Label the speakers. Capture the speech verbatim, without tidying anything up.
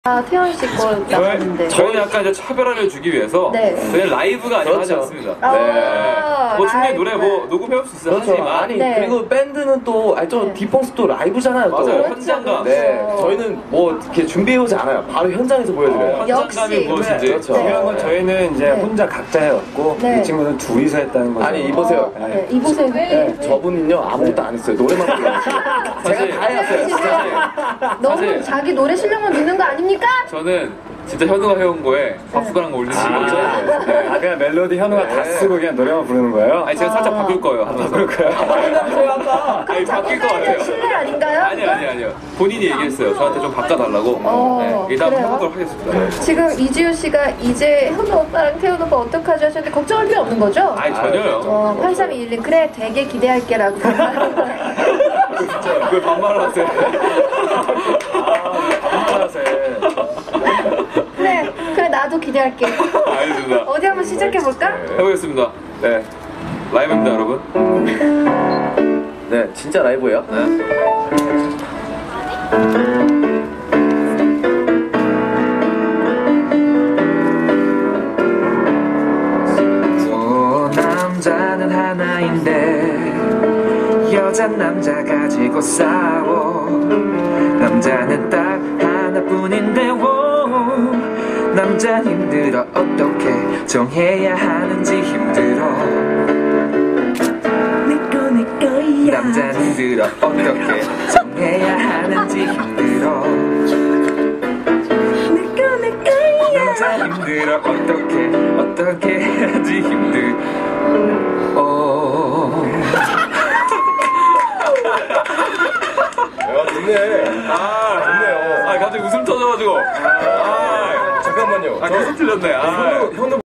Speaker 1: 아, 태연 씨 거 나왔는데.
Speaker 2: 저희는 약간 이제 차별화를 주기 위해서
Speaker 1: 네.
Speaker 2: 저희는 라이브가 아니라 하지
Speaker 3: 그렇죠.
Speaker 2: 않습니다.
Speaker 1: 아,
Speaker 2: 네. 뭐 충분히
Speaker 1: 라이브.
Speaker 2: 노래 뭐 녹음해올 수 있어요.
Speaker 3: 그렇죠.
Speaker 2: 하지만
Speaker 3: 아니
Speaker 1: 네.
Speaker 3: 그리고 밴드는 또 아니 저
Speaker 1: 네.
Speaker 3: 디펑스도 라이브잖아요. 또.
Speaker 2: 맞아요.
Speaker 1: 그렇죠,
Speaker 2: 현장감.
Speaker 3: 네,
Speaker 1: 그렇죠.
Speaker 3: 저희는 뭐 이렇게 준비해오지 않아요. 바로 현장에서 보여드려요.
Speaker 2: 현장감이
Speaker 1: 역시.
Speaker 2: 무엇인지.
Speaker 3: 네, 그렇죠.
Speaker 4: 중요한 건 저희는 이제
Speaker 1: 네.
Speaker 4: 혼자 각자 해왔고
Speaker 1: 네.
Speaker 4: 이 친구는 둘이서 했다는 거죠.
Speaker 3: 아니 이보세요.
Speaker 1: 어, 네. 이보세요.
Speaker 3: 네, 저분은요 아무것도 안 했어요. 노래만 불러가지고.
Speaker 2: 사실-
Speaker 3: 제가 다 해왔어요. 진짜.
Speaker 1: 너무
Speaker 2: 사실-
Speaker 1: 자기 노래 실력만 믿는 거 아닙니까?
Speaker 2: 저는 진짜 현우가 해온 거에 밥숟가락 올리는 거죠. 네.
Speaker 4: 아 그냥 멜로디 현우가 다
Speaker 3: 네.
Speaker 4: 쓰고 그냥 노래만 부르는 거예요?
Speaker 2: 아니 제가 살짝
Speaker 1: 아.
Speaker 2: 바꿀 거예요. 하면서.
Speaker 4: 그럴 거예요?
Speaker 2: 아니 바뀔 것 같아요.
Speaker 1: 실례 아닌가요?
Speaker 2: 아니 아니 아니요. 본인이 얘기했어요. 저한테 좀 바꿔달라고.
Speaker 1: 어,
Speaker 2: 네. 일단
Speaker 1: 그래요?
Speaker 2: 해보도록 하겠습니다.
Speaker 1: 지금 이지우 씨가 이제 현우 오빠랑 태연 오빠 어떡하지 하셨는데 걱정할 필요 없는 거죠?
Speaker 2: 아니 전혀요.
Speaker 1: 어, 팔삼이일님 그래 되게 기대할게라고.
Speaker 2: 왜 반말을 하세요?
Speaker 1: 그래 그래 나도 기대할게.
Speaker 2: 알겠습니다.
Speaker 1: 어디 한번 시작해 볼까?
Speaker 2: 해보겠습니다. 네. 라이브입니다, 여러분.
Speaker 3: 네, 진짜 라이브예요.
Speaker 5: 또 남자는 하나인데 여잔 남자 가지고 싸워. 남자는 딱 하나뿐인데 오, 남자 힘들어 어떻게 정해야 하는지 힘들어. 남자 힘들어 어떻게 정해야 하는지 힘들어. 남자 힘들어 어떻게 어떻게 해야지 힘들어.
Speaker 3: 야, 좋네.
Speaker 2: 아,
Speaker 3: 좋네요.
Speaker 2: 아, 갑자기 웃음 터져가지고. 아,
Speaker 3: 잠깐만요.
Speaker 2: 아, 계속 틀렸네. 아.
Speaker 3: 현우